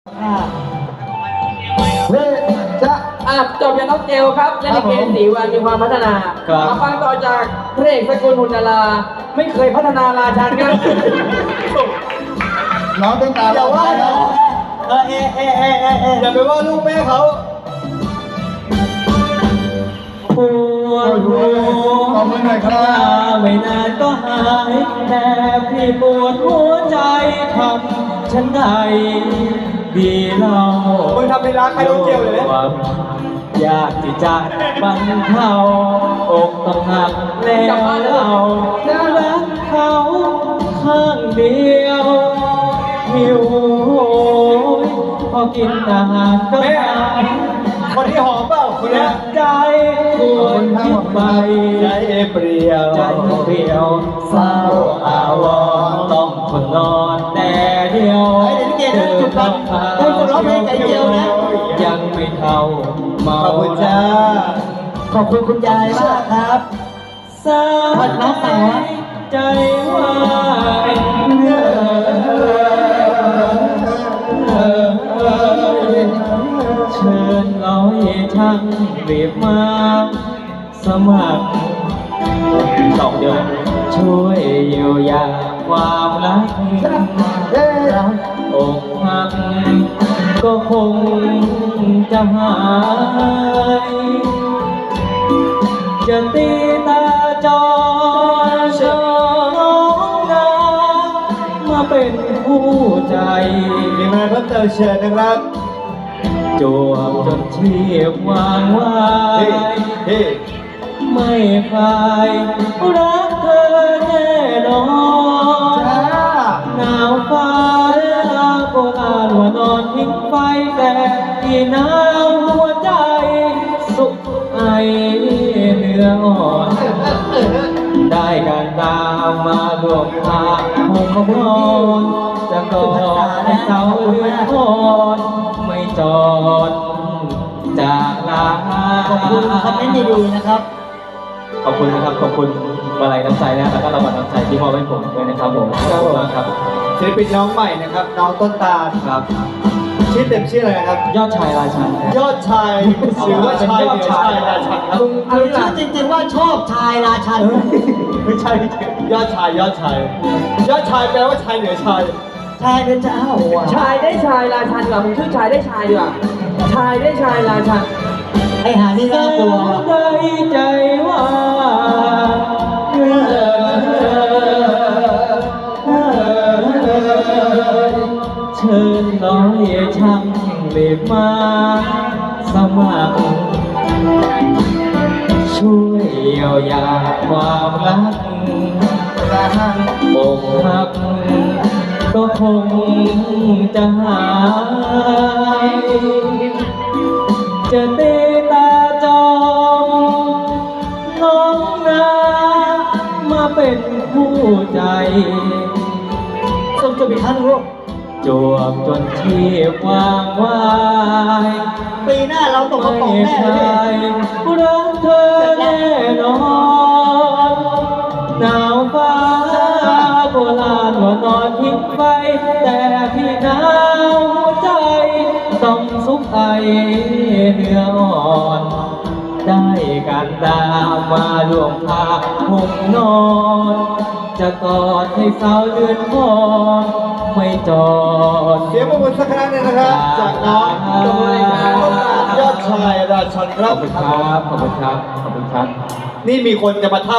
เฮ้จะจบจากน้องเจลครับเล่นลิเกสีวันมีความพัฒนามาฟังต่อจากพระเอกสกุลหุนดาราไม่เคยพัฒนาราชันครับน้องต้องตามอย่าว่านะอย่าไปว่าลูกแม่เขาปวดหัวขอบคุณหน่อยครับไม่นานก็หายแต่พี่ปวดหัวใจทำฉันใดดีเล่ามึงทำในร้านใครโดนเจียวเลยอยากที่จะบรรเทาอกต้องหักแล้วเรารักเขาข้างเดียวหิวโหยพอกินอาหารก็หายคนที่หอมเปล่าคนนี้ใจปวดคิดไปใจเปรี้ยวใจเปรี้ยวเศร้าอาวรณ์ต้องทนนอนแต่เดียวยังไม่เท่าเมาขอบคุณจ้าขอบคุณคุณยายมากครับสายใจว่าเชิญร้อยช่างรีบมาสมัครสองเดียวช่วยเยียวยาความรักรักอกหักก็คงจะหายจะตีตาจอชองนามาเป็นผู้ใจมีอะไรเพิ่มเติมเชิญนะครับจวบจนชีพวางไว้เฮ้ไม่คลายรักเธอแน่นอนจ้าหนาวฟ้าโบราณว่านอนทิ้งไฟแต่ที่หนาวหัวใจสุขไอเนื้ออ่อน ได้การตามมาดวงตาหงนอนจะกอดให้เสาเรือนทอนไม่จอดจากลาขอบคุณคอมเมนต์ดีๆนะครับขอบคุณนะครับขอบคุณมาลัยน้ำใจนะแล้วก็รางวัลน้ำใจที่มอบให้ผมด้วยนะครับผมขอบคุณมากครับศิลปินน้องใหม่นะครับ น้องต้นตาลครับชื่อเต็มชื่ออะไรนะครับยอดชายราชันครับยอดชายหรือว่าชายเหนือชายราชันครับคือชื่อจริงๆว่าชอบชายราชันไม่ใช่ยอดชายยอดชายยอดชายแปลว่าชายเหนือชายชายเป็นเจ้าอ่ะชายได้ชายราชันดีกว่าผมชื่อชายได้ชายดีกว่าชายได้ชายราชันไอ้หานี่น่ากลัวได้ใจว่าเชิญน้อยช่างรีบมาสมัครช่วยเยียวยาความรักอกหักก็คงจะหายจะตีตาจองน้องนามาเป็นผู้ใจส่งจบอีกครั้งลูกจวบจนชีพวางไว้ปีหน้าเราตกกระป๋องไม่แน่ใช่เลยรักเธอแน่นอนหนาวฟ้าโบราณว่านอนทิ้งไฟแต่พี่หนาวหัวใจต้องสุขไอเนื้ออ่อน ได้การตามมาดวงพาห่มนอน จะกอดให้สาวเดือนคอนไม่จอดเสียงปรบมือสักครั้งหนึงนะครับ จากน้องยอดชายราชันคขรัอบบคุณครับ ขอบคุณครับ ขอบคุณครับนี่มีคนจะมาท่า